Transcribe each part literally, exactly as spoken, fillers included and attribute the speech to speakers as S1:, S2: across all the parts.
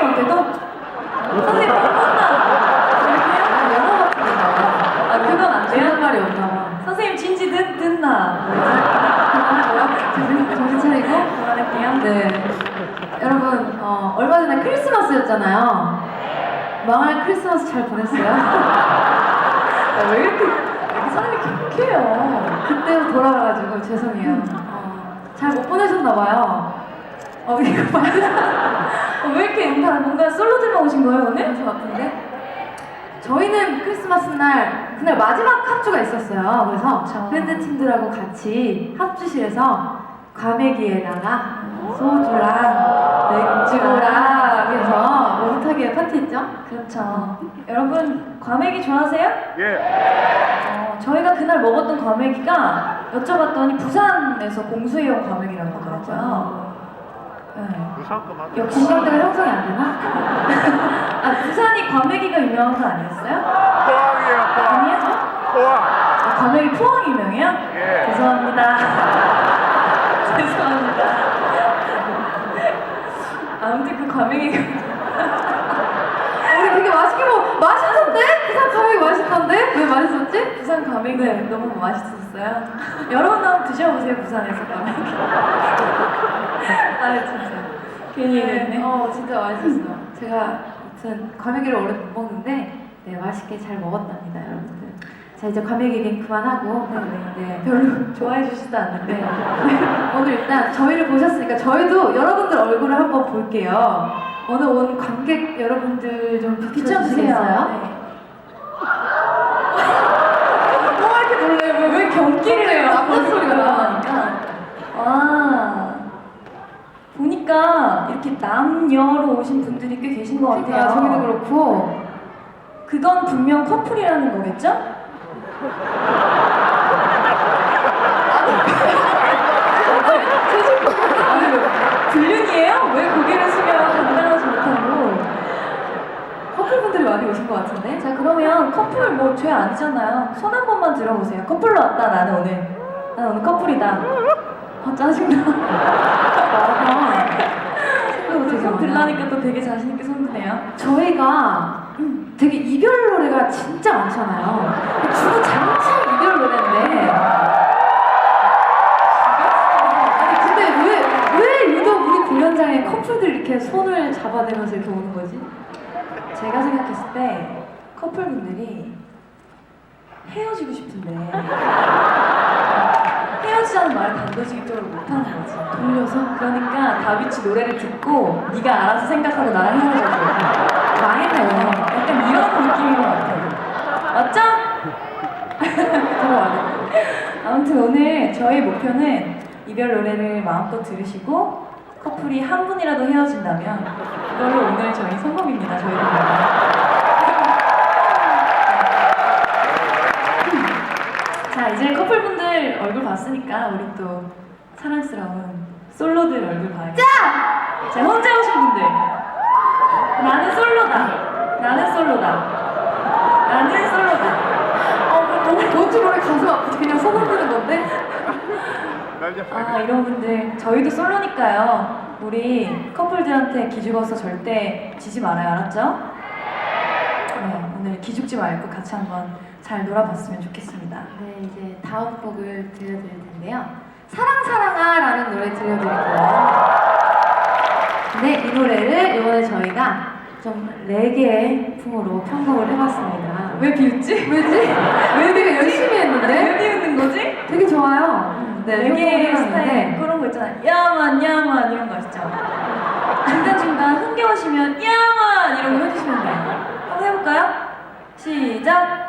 S1: 선생님한테도? 선생님 혼나. 영어 같은 거. 아 그건 안 돼요?
S2: 그런 말이 없나 봐.
S1: 선생님 진지 듣, 듣나?
S2: 정신 차리고
S1: 그만할게요.
S2: 네. 여러분, 어, 얼마 전에 크리스마스였잖아요. 망할 크리스마스 잘 보냈어요?
S1: 아, 왜 이렇게, 왜 이렇게 사람이 격해요?
S2: 그때로 돌아가가지고 죄송해요. 어, 잘 못 보내셨나봐요. 어, 이거 맞아.
S1: 어, 왜 이렇게 다 뭔가 솔로들만 오신 거예요, 오늘?
S2: 저 같은데? 저희는 크리스마스 날, 그날 마지막 합주가 있었어요. 그래서
S1: 그쵸.
S2: 밴드 팀들하고 같이 합주실에서 과메기에다가 소주랑 맥주랑 해서 오붓하게 파티했죠?
S1: 그렇죠. 여러분, 과메기 좋아하세요?
S3: 예.
S1: 어, 저희가 그날 먹었던 과메기가 여쭤봤더니 부산에서 공수해온 과메기라고 하더라고요. 네.
S3: 부산 거 맞아.
S1: 역시
S2: 공감대가 형성이 안 되나?
S1: 아, 부산이 과메기가 유명한 거 아니었어요?
S3: 포항이에요, 포항.
S1: 아니에요?
S3: 포항.
S1: 아, 과메기 포항 유명해요?
S3: 예.
S1: 죄송합니다. 죄송합니다. 아무튼 그 과메기가
S2: 우리 되게 맛있게 먹, 맛있던데? 부산 과메기 맛있던데? 왜 맛있었지?
S1: 부산 과메기 너무 맛있었어요. 여러분도 한번 드셔보세요, 부산에서 과메기. 아 진짜 괜히 얘기했네.
S2: 어, 진짜 맛있었어요. 제가 아무튼 과메기를 오래 못 먹는데 네, 맛있게 잘 먹었답니다, 여러분들. 자, 이제 과메기 얘기는 그만하고 네, 네,
S1: 별로 좋아해 주시지도 않는데
S2: 오늘 일단 저희를 보셨으니까 저희도 여러분들 얼굴을 한번 볼게요. 오늘 온 관객 여러분들 좀
S1: 비춰주세요.
S2: 비춰주시겠어요?
S1: 네. 뭐가 이렇게 놀래요? 왜, 왜 경기를 해요?
S2: 남자 소리가
S1: 나니까. 와 보니까 이렇게 남녀로 오신 분들이 꽤 계신 것 같아요.
S2: 그러니까 저기도 그렇고
S1: 그건 분명 커플이라는 거겠죠? 아니 왜 불륜이에요? 왜 고개를 숙여 감당하지 못하고?
S2: 커플분들이 많이 오신 것 같은데?
S1: 자 그러면 커플 뭐 죄 아니잖아요. 손 한 번만 들어보세요. 커플로 왔다 나는 오늘. 나는 오늘 커플이다. 아 짜증나.
S2: 되게
S1: 손
S2: 많아.
S1: 들라니까 또 되게 자신 있게 손 드네요.
S2: 저희가 되게 이별 노래가 진짜 많잖아요. 주로 장창 이별 노래인데. 아니 근데 왜, 왜 유독 우리 공연장에 커플들 이렇게 손을 잡아대면서 이렇게 오는 거지?
S1: 제가 생각했을 때 커플분들이 헤어지고 싶은데 헤어지자는 말을 단도직입적으로 못하는 거지.
S2: 돌려서?
S1: 그러니까 다비치 노래를 듣고 네가 알아서 생각하고 나랑 헤어져줘.
S2: 망했네요.
S1: 약간 이런 느낌인 것 같아요. 맞죠?
S2: 들어와요.
S1: 아무튼 오늘 저희 목표는 이별 노래를 마음껏 들으시고 커플이 한 분이라도 헤어진다면 그걸로 오늘 저희 성공입니다. 저희 노래. 자 이제 커플분들 얼굴 봤으니까 우리 또 사랑스러운 솔로들 얼굴 봐야겠다. 자 혼자 오신 분들 나는 솔로다. 나는 솔로다. 나는 솔로다.
S2: 어, 너무 뭔지 모르게 가슴 아프지. 그냥 손 흔드는 건데?
S3: 나 이제
S1: 아 이런 분들 저희도 솔로니까요. 우리 커플들한테 기죽어서 절대 지지 말아요. 알았죠? 네 오늘 기죽지 말고 같이 한번 잘 놀아봤으면 좋겠습니다.
S2: 네, 이제 다음 곡을 들려드릴 텐데요. 사랑 사랑아 라는 노래 들려드릴 거예요. 네, 이 노래를 이번에 저희가 좀 레게 풍으로 편곡을 해봤습니다.
S1: 왜 비웃지?
S2: 왜지? 왜 되게 열심히 했는데?
S1: 왜 비웃는 거지?
S2: 되게 좋아요. 네,
S1: 레게
S2: 편곡을
S1: 스타일
S2: 해봤는데
S1: 그런 거 있잖아요. 야만 야만 이런 거 아시죠? 중간중간 흥겨우시면 야만 이런 거 해주시면 돼요. 한번 해볼까요? 시작!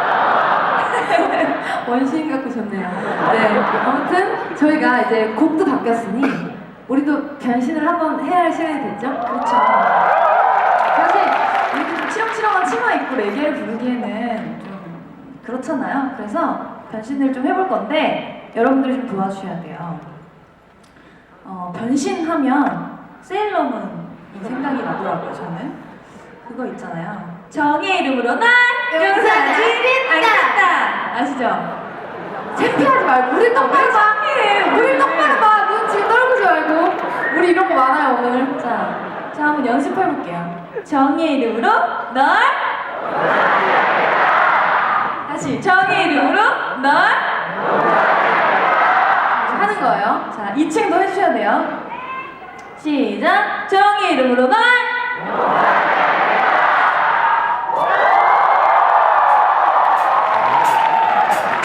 S2: 원시인 같고 좋네요. 네, 아무튼 저희가 이제 곡도 바뀌었으니 우리도 변신을 한번 해야 할 시간이 됐죠?
S1: 그렇죠. 사실 이렇게 좀 치렁치렁한 치마 입고 레게를 부르기에는 좀 그렇잖아요. 그래서 변신을 좀 해볼 건데 여러분들이 좀 도와주셔야 돼요. 어, 변신하면 세일러문이 생각이 나더라고요. 저는 그거 있잖아요. 정의 이름으로 날 용서하지 않겠다. 아시죠?
S2: 창피하지 말고 우리 똑바로 봐.
S1: 창피해.
S2: 우리 똑바로 봐. 눈 지금 떨구지 말고. 우리 이런 거 많아요 오늘.
S1: 자, 자 한번 연습해볼게요. 정의 이름으로 널. 다시 정의 이름으로 널.
S2: 하는 거예요.
S1: 자, 이 층도 해주셔야 돼요. 시작. 정의 이름으로 널.